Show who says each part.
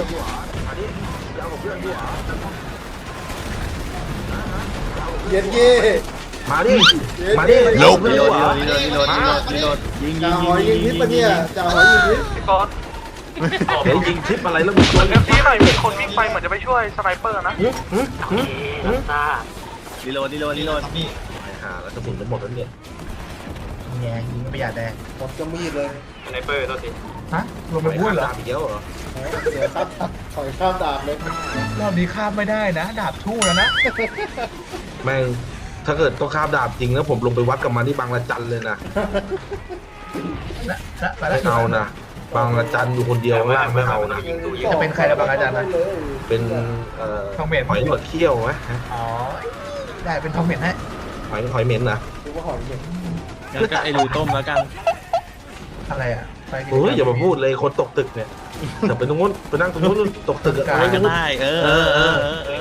Speaker 1: เย็นเย่
Speaker 2: มาดิมาดิ
Speaker 3: ลุก
Speaker 2: รีโหลด
Speaker 3: ยิง
Speaker 1: จ่าหอยยิงพิษปะเนี่ยจ่าหอยยิงพิษ
Speaker 4: พี่ก๊อต
Speaker 2: เดี๋ยวยิงทิปอะไรแล้วมึงตัว
Speaker 4: เอฟซีหน่อยมีคนวิ่งไปเหมือนจะไปช่วยสไนเปอร์นะ
Speaker 3: รีโหลด
Speaker 2: หาแล้วกระสุนจะหมดแล้วเนี่ย
Speaker 5: ไงยิงประหยัดแดง
Speaker 1: หมดจะมีดเลย
Speaker 4: สไนเปอร์ตัวที
Speaker 5: ฮะลงไปพูดเหรอ
Speaker 2: ตามอีกแล้วเหรอ
Speaker 1: เสียครับถอยข้ามดาบเลย
Speaker 5: รอบนี้ข้ามไม่ได้นะดาบทู่แล้วนะ
Speaker 2: แม่งถ้าเกิดต้องข้ามดาบจริงแล้วผมลงไปวัดกับมันที่บางละจันเลยนะไม่เอานะบางละจันอยู่คนเดียวไม่เอานะ
Speaker 5: จะเป็นใครนะบางอาจารย์นะ
Speaker 2: เป็น
Speaker 5: ทองเหม็น
Speaker 2: หอยหนวดเขี้ยวไหม
Speaker 5: อ๋อได้เป็นทองเหม็นให้
Speaker 2: หอยเหม็นนะ
Speaker 1: ดูว่าหอยเย็น
Speaker 3: งั้นก็ไอ้รูต้มแล้วกัน
Speaker 5: อะไรอ่ะไปกิน
Speaker 2: เฮ้ยอย่ามาพูดเลยคนตกตึกเนี่ยเดี๋ยวไปตรงนู้นไปนั่งตรงนู้นตกตึกอะไร
Speaker 3: ก็
Speaker 2: ตรงนู้น
Speaker 3: ได้